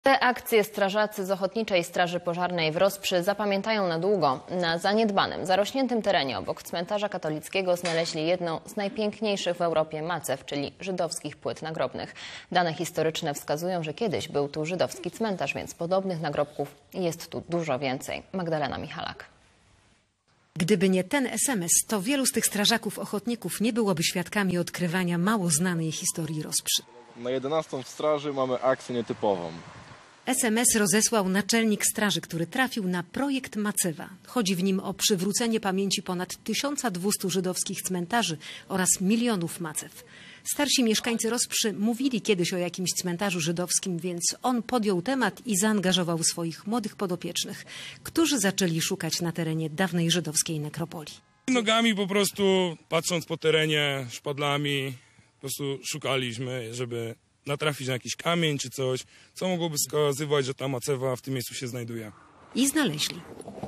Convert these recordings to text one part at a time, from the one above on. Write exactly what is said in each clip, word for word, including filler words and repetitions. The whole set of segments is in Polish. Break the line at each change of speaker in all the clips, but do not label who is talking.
Te akcje strażacy z Ochotniczej Straży Pożarnej w Rosprzy zapamiętają na długo. Na zaniedbanym, zarośniętym terenie obok cmentarza katolickiego znaleźli jedną z najpiękniejszych w Europie macew, czyli żydowskich płyt nagrobnych. Dane historyczne wskazują, że kiedyś był tu żydowski cmentarz, więc podobnych nagrobków jest tu dużo więcej. Magdalena Michalak.
Gdyby nie ten es em es, to wielu z tych strażaków ochotników nie byłoby świadkami odkrywania mało znanej historii Rosprzy.
Na jedenastą w straży mamy akcję nietypową.
es em es rozesłał naczelnik straży, który trafił na projekt Macewa. Chodzi w nim o przywrócenie pamięci ponad tysiąc dwieście żydowskich cmentarzy oraz milionów macew. Starsi mieszkańcy Rosprzy mówili kiedyś o jakimś cmentarzu żydowskim, więc on podjął temat i zaangażował swoich młodych podopiecznych, którzy zaczęli szukać na terenie dawnej żydowskiej nekropolii.
Nogami po prostu, patrząc po terenie, szpadlami, po prostu szukaliśmy, żeby natrafić na jakiś kamień czy coś, co mogłoby wskazywać, że ta macewa w tym miejscu się znajduje.
I znaleźli.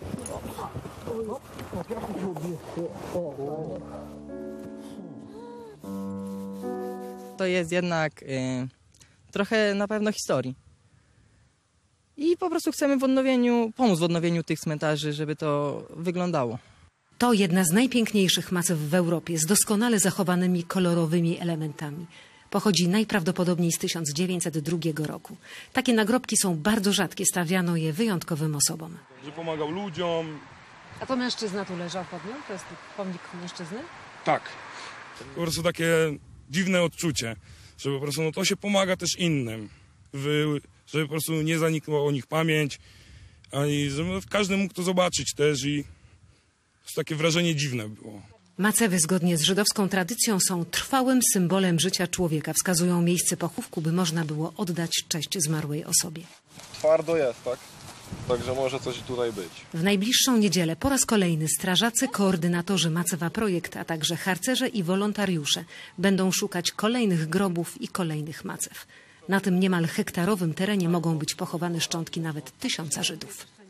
To jest jednak y, trochę na pewno historii. I po prostu chcemy w odnowieniu, pomóc w odnowieniu tych cmentarzy, żeby to wyglądało.
To jedna z najpiękniejszych macew w Europie z doskonale zachowanymi kolorowymi elementami. Pochodzi najprawdopodobniej z tysiąc dziewięćset drugiego roku. Takie nagrobki są bardzo rzadkie, stawiano je wyjątkowym osobom.
Że pomagał ludziom.
A to mężczyzna tu leżał pod nią? To jest pomnik mężczyzny?
Tak. Po prostu takie dziwne odczucie, że po prostu no, to się pomaga też innym. Wy, żeby po prostu nie zanikła o nich pamięć, ani żeby każdy mógł to zobaczyć też i to takie wrażenie dziwne było.
Macewy zgodnie z żydowską tradycją są trwałym symbolem życia człowieka. Wskazują miejsce pochówku, by można było oddać cześć zmarłej osobie.
Twardo jest, tak? Także może coś tutaj być.
W najbliższą niedzielę po raz kolejny strażacy, koordynatorzy Macewa Projekt, a także harcerze i wolontariusze będą szukać kolejnych grobów i kolejnych macew. Na tym niemal hektarowym terenie mogą być pochowane szczątki nawet tysiąca Żydów.